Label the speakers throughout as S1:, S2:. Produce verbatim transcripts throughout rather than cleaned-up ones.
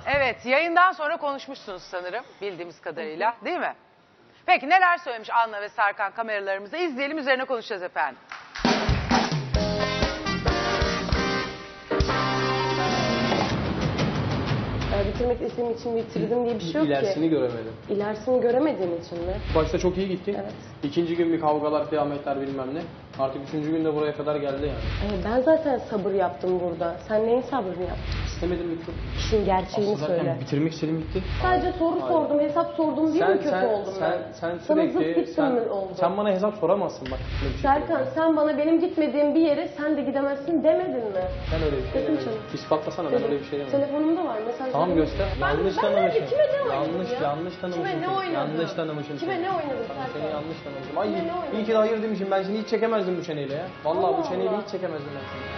S1: Evet, yayından sonra konuşmuşsunuz sanırım bildiğimiz kadarıyla, değil mi? Peki neler söylemiş Anna ve Serkan kameralarımıza? İzleyelim, üzerine konuşacağız efendim.
S2: Bitirmek istediğim için bitirdim diye bir şey yok ki.
S3: İlerisini göremedim.
S2: İlerisini göremediğin için mi?
S3: Başta çok iyi gittik.
S2: Evet.
S3: İkinci gün bir kavgalar, kıyametler bilmem ne. Artık üçüncü günde buraya kadar geldi yani.
S2: Ee, ben zaten sabır yaptım burada. Sen neyin sabrını yaptın?
S3: İstemedim bitti.
S2: İşin gerçeğini
S3: Aslında
S2: söyle.
S3: zaten bitirmek istedim bitti.
S2: Sadece soru
S3: Hayır.
S2: sordum, hesap sordum diye
S3: Sen,
S2: mi kötü
S3: sen,
S2: oldum
S3: sen,
S2: ben?
S3: sen
S2: Sana zıt
S3: sürekli,
S2: gittim
S3: sen,
S2: mi oldu?
S3: sen bana hesap soramazsın bak. Böyle bir şey
S2: Serkan
S3: söyleyeyim.
S2: sen bana benim gitmediğim bir yere sen de gidemezsin demedin mi?
S3: Ben öyle bir şey
S2: Dedim
S3: demedim.
S2: canım.
S3: İspatlasana ben öyle bir şey demedim.
S2: Telefonumda var mesajlarım.
S3: Tamam göster.
S2: Ben,
S3: yanlış
S2: ben
S3: tanımışım.
S2: Kime ne oynadım
S3: yanlış,
S2: ya?
S3: yanlış tanımışım.
S2: Kime ne
S3: seni.
S2: oynadım?
S3: Yanlış tanımışım.
S2: Kime
S3: seni.
S2: ne oynadım
S3: Sana
S2: Serkan?
S3: seni yanlış tanımışım. Ay
S2: Kime ne oynadım?
S3: iyi ki de hayır demişim. Ben seni hiç çekemezdim bu çeneyle ya. Vallahi
S2: Allah
S3: bu çeneyle
S2: Allah.
S3: hiç çekemezdim ben seni.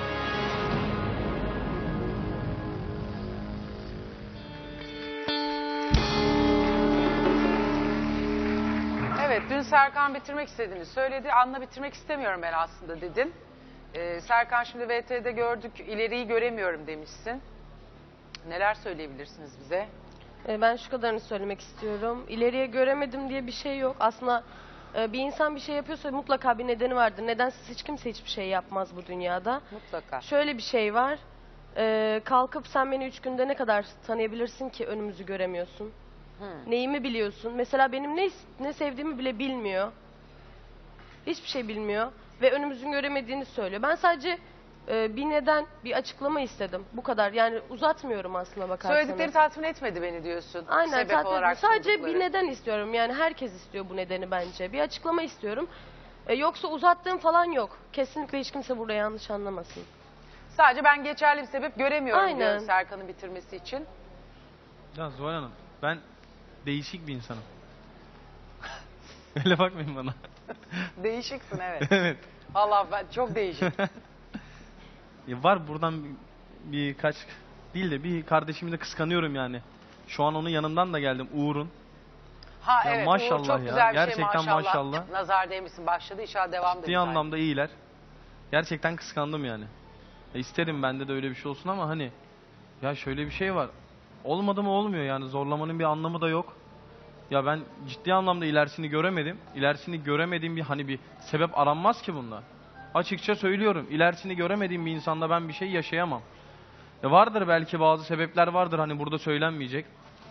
S1: Evet, dün Serkan bitirmek istediğini söyledi. Anla bitirmek istemiyorum ben aslında dedin. Ee, Serkan şimdi V T'de gördük, ileriyi göremiyorum demişsin. Neler söyleyebilirsiniz bize?
S2: Ee, Ben şu kadarını söylemek istiyorum. İleriye göremedim diye bir şey yok. Aslında e, bir insan bir şey yapıyorsa mutlaka bir nedeni vardır. Nedensiz hiç kimse hiçbir şey yapmaz bu dünyada.
S1: Mutlaka.
S2: Şöyle bir şey var. Ee, kalkıp sen beni üç günde ne kadar tanıyabilirsin ki önümüzü göremiyorsun?
S1: Hmm.
S2: Neyimi biliyorsun? Mesela benim ne ne sevdiğimi bile bilmiyor. Hiçbir şey bilmiyor ve önümüzün göremediğini söylüyor. Ben sadece e, bir neden, bir açıklama istedim. Bu kadar. Yani uzatmıyorum aslına bakarsanız.
S1: Söyledikleri tatmin etmedi beni diyorsun.
S2: Aynen,
S1: Sebep
S2: tatmin
S1: olarak
S2: etmiyor. Sadece
S1: sundukları.
S2: bir neden istiyorum. Yani herkes istiyor bu nedeni bence. Bir açıklama istiyorum. E, yoksa uzattığım falan yok. Kesinlikle hiç kimse burada yanlış anlamasın.
S1: Sadece ben geçerli bir sebep göremiyorum
S2: Aynen.
S1: diyorum Serkan'ın bitirmesi için.
S4: Ya Zuhal Hanım, ben değişik bir insanım. Öyle bakmayın bana.
S1: Değişiksin evet.
S4: Evet.
S1: Allah ben çok değişik.
S4: Ya var buradan bir- birkaç değil de bir kardeşimi de kıskanıyorum yani. Şu an onun yanından da geldim, Uğur'un.
S1: Ha
S4: Ya
S1: evet
S4: maşallah
S1: Uğur çok
S4: ya,
S1: güzel bir
S4: gerçekten
S1: şey maşallah.
S4: maşallah.
S1: Nazar değmişsin başladı inşallah devam da
S4: Ciddi
S1: güzel.
S4: anlamda iyiler. Gerçekten kıskandım yani. E isterim bende de öyle bir şey olsun ama hani ya şöyle bir şey var. Olmadı mı olmuyor yani, zorlamanın bir anlamı da yok. Ya ben ciddi anlamda ilerisini göremedim. İlerisini göremediğim bir hani bir sebep aranmaz ki bunda. Açıkça söylüyorum. İlerisini göremediğim bir insanda ben bir şey yaşayamam. Ya vardır belki bazı sebepler vardır hani burada söylenmeyecek.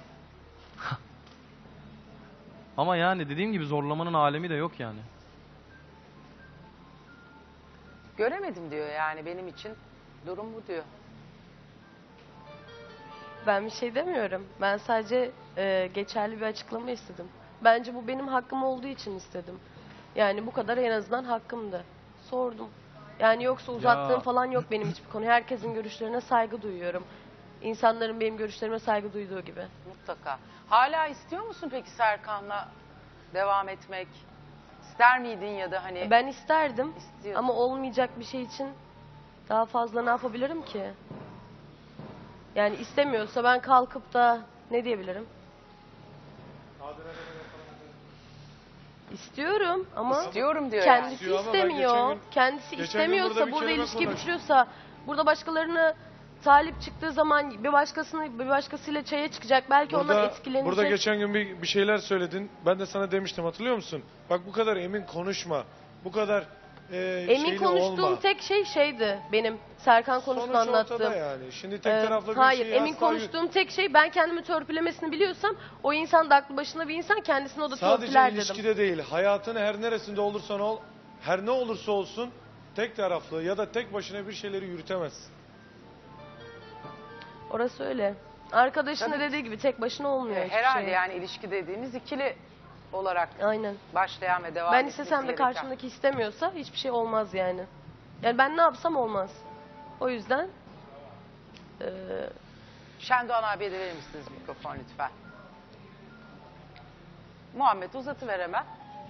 S4: Ama yani dediğim gibi zorlamanın alemi de yok yani.
S1: Göremedim diyor yani benim için durum bu diyor.
S2: Ben bir şey demiyorum. Ben sadece e, geçerli bir açıklama istedim. Bence bu benim hakkım olduğu için istedim. Yani bu kadar en azından hakkımdı. Sordum. Yani yoksa uzattığım
S4: Ya.
S2: falan yok benim hiçbir konu. Herkesin görüşlerine saygı duyuyorum. İnsanların benim görüşlerime saygı duyduğu gibi.
S1: Mutlaka. Hala istiyor musun peki Serkan'la devam etmek? İster miydin ya da hani
S2: Ben isterdim
S1: İstiyorsun.
S2: ama olmayacak bir şey için daha fazla ne yapabilirim ki? Yani istemiyorsa ben kalkıp da ne diyebilirim? İstiyorum ama
S1: istiyorum diyor yani.
S2: kendisi
S5: İstiyor ama ben
S2: istemiyor.
S5: geçen gün-
S2: Kendisi
S5: geçen gün
S2: istemiyorsa
S5: burada bir
S2: burada
S5: kelime
S2: ilişki
S5: konuştum.
S2: bitiriyorsa burada başkalarını talip çıktığı zaman bir başkasını bir başkasıyla çaya çıkacak. Belki onlar
S5: Burada,
S2: etkilenecek.
S5: burada geçen gün bir, bir şeyler söyledin. Ben de sana demiştim, hatırlıyor musun? Bak bu kadar emin konuşma. Bu kadar e,
S2: Emin
S5: şeyli
S2: konuştuğum
S5: olma.
S2: tek şey şeydi benim Serkan konusunu
S5: Sonuç
S2: anlattığım.
S5: ortada yani. Şimdi tek
S2: Ee,
S5: taraflı bir
S2: hayır,
S5: şeyi
S2: emin
S5: asla-
S2: konuştuğum tek şey ben kendimi törpülemesini biliyorsam o insan da aklı başında bir insan kendisini o da
S5: Sadece
S2: törpüler dedim.
S5: ilişkide değil, hayatın her neresinde olursan ol, her ne olursa olsun tek taraflı ya da tek başına bir şeyleri yürütemezsin.
S2: Orası öyle. Arkadaşın da
S1: Tabii.
S2: dediği gibi tek başına olmuyor
S1: E,
S2: hiçbir
S1: herhalde
S2: şey.
S1: yani ilişki dediğimiz ikili olarak
S2: Aynen.
S1: başlayan ve devam
S2: Ben
S1: etmesi
S2: istesem de
S1: gereken.
S2: karşımdaki istemiyorsa hiçbir şey olmaz yani. Yani ben ne yapsam olmaz. O yüzden eee
S1: Şendoğan abiye de verir misiniz mikrofon lütfen? Muhammed uzatıver hemen.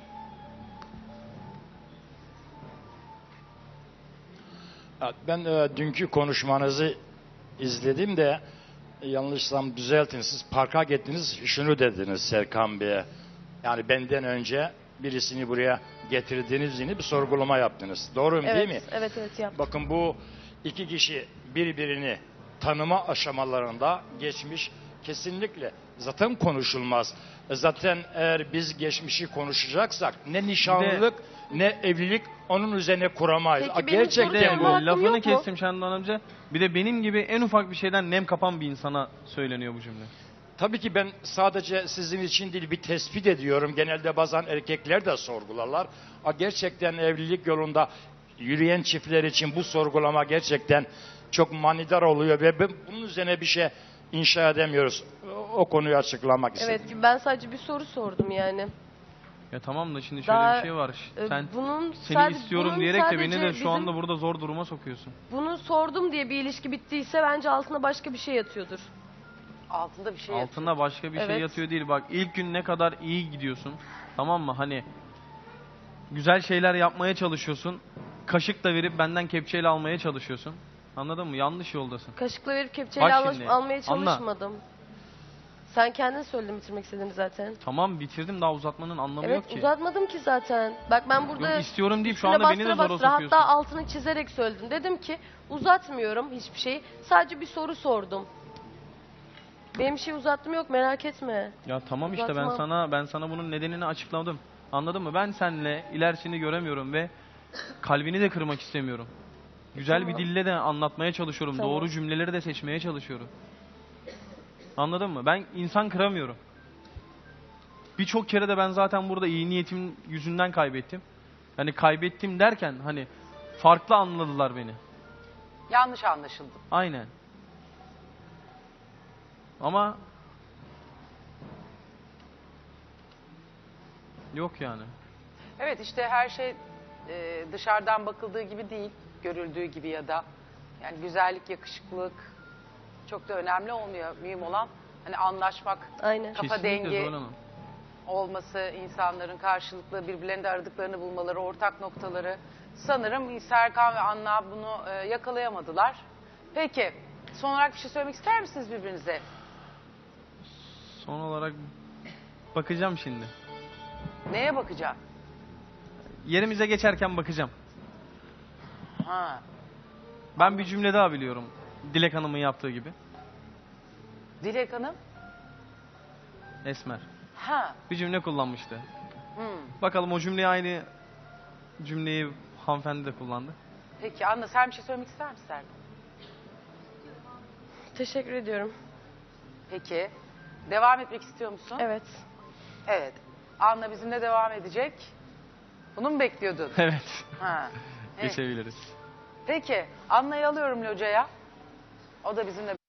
S6: Ben e, dünkü konuşmanızı izledim de e, yanlışsam düzeltin. Siz parka gittiniz, şunu dediniz Serkan Bey'e. Yani benden önce birisini buraya getirdiğiniz bir sorgulama yaptınız. Doğru mu,
S2: evet,
S6: değil mi?
S2: evet evet yaptım.
S6: Bakın bu iki kişi birbirini tanıma aşamalarında geçmiş Kesinlikle. Zaten konuşulmaz. E Zaten eğer biz geçmişi konuşacaksak ne nişanlılık ne evlilik onun üzerine kuramayız.
S2: Peki
S6: A,
S2: benim
S6: Gerçekten
S2: sorularım
S6: bu.
S2: var. hakkım
S4: Lafını
S2: yok mu?
S4: kestim Şendan amca. Bir de benim gibi en ufak bir şeyden nem kapan bir insana söyleniyor bu cümle.
S6: Tabii ki ben sadece sizin için değil bir tespit ediyorum. Genelde bazen erkekler de sorgularlar. A, Gerçekten evlilik yolunda yürüyen çiftler için bu sorgulama gerçekten çok manidar oluyor ve ben bunun üzerine bir şey inşa edemiyoruz. O, o konuyu açıklamak istedim.
S2: Evet, ben sadece bir soru sordum yani.
S4: Ya tamam da şimdi şöyle
S2: Daha,
S4: bir şey var.
S2: e,
S4: Sen
S2: bunun
S4: seni
S2: sadece-
S4: istiyorum
S2: bunun
S4: diyerek de beni
S2: sadece
S4: de şu
S2: bizim-
S4: anda burada zor duruma sokuyorsun.
S2: Bunu sordum diye bir ilişki bittiyse bence altında başka bir şey yatıyordur.
S1: Altında bir şey yatıyor.
S4: Altında başka bir şey
S2: Evet.
S4: yatıyor değil. Bak ilk gün ne kadar iyi gidiyorsun. Tamam mı? Hani güzel şeyler yapmaya çalışıyorsun. Kaşık da verip benden kepçeyle almaya çalışıyorsun. Anladın mı? Yanlış yoldasın.
S2: Kaşıkla verip kepçeyle
S4: Bak
S2: alış-
S4: şimdi,
S2: almaya
S4: anla.
S2: çalışmadım. Sen kendin söyledin bitirmek istediğini zaten.
S4: Tamam bitirdim, daha uzatmanın anlamı
S2: Evet,
S4: yok ki.
S2: uzatmadım ki zaten. Bak ben burada
S4: Yok, istiyorum deyip şu
S2: üstüne
S4: anda beni de
S2: bastıra
S4: zora
S2: bastıra,
S4: sokuyorsun.
S2: hatta altını çizerek söyledim. Dedim ki uzatmıyorum hiçbir şeyi. Sadece bir soru sordum. Benim bir şey uzattım yok, merak etme.
S4: Ya tamam işte ben
S2: Uzatmam.
S4: sana ben sana bunun nedenini açıkladım. Anladın mı? Ben seninle ilerisini göremiyorum ve kalbini de kırmak istemiyorum. Güzel bir
S2: Tamam.
S4: dille de anlatmaya çalışıyorum.
S2: Tamam.
S4: Doğru cümleleri de seçmeye çalışıyorum. Anladın mı? Ben insan kıramıyorum. Birçok kere de ben zaten burada iyi niyetim yüzünden kaybettim. Hani kaybettim derken hani farklı anladılar beni.
S1: Yanlış anlaşıldı.
S4: Aynen. Ama yok yani.
S1: Evet işte her şey e, dışarıdan bakıldığı gibi değil, görüldüğü gibi ya da yani güzellik, yakışıklılık çok da önemli olmuyor. Mühim olan hani anlaşmak,
S2: Aynen.
S1: kafa
S4: Kesinlikle
S1: dengi
S4: Zuhal Hanım.
S1: olması, insanların karşılıklı birbirlerinde aradıklarını bulmaları, ortak noktaları. Sanırım Serkan ve Anna bunu e, yakalayamadılar. Peki, son olarak bir şey söylemek ister misiniz birbirinize?
S4: Son olarak bakacağım şimdi.
S1: Neye bakacağım?
S4: Yerimize geçerken bakacağım.
S1: Ha,
S4: Ben bir cümle daha biliyorum. Dilek Hanım'ın yaptığı gibi.
S1: Dilek Hanım?
S4: Esmer.
S1: Ha,
S4: Bir cümle kullanmıştı.
S1: hmm.
S4: Bakalım o cümleyi aynı cümleyi hanımefendi de kullandı.
S1: Peki Anna sen bir şey söylemek ister misin Serkan?
S2: Teşekkür ediyorum.
S1: Peki, devam etmek istiyor musun?
S2: Evet.
S1: Evet. Anna bizimle devam edecek. Bunu mu bekliyordun?
S4: Evet.
S1: Ha. Evet.
S4: Geçebiliriz.
S1: Peki, Anna'yı alıyorum locaya. O da bizimle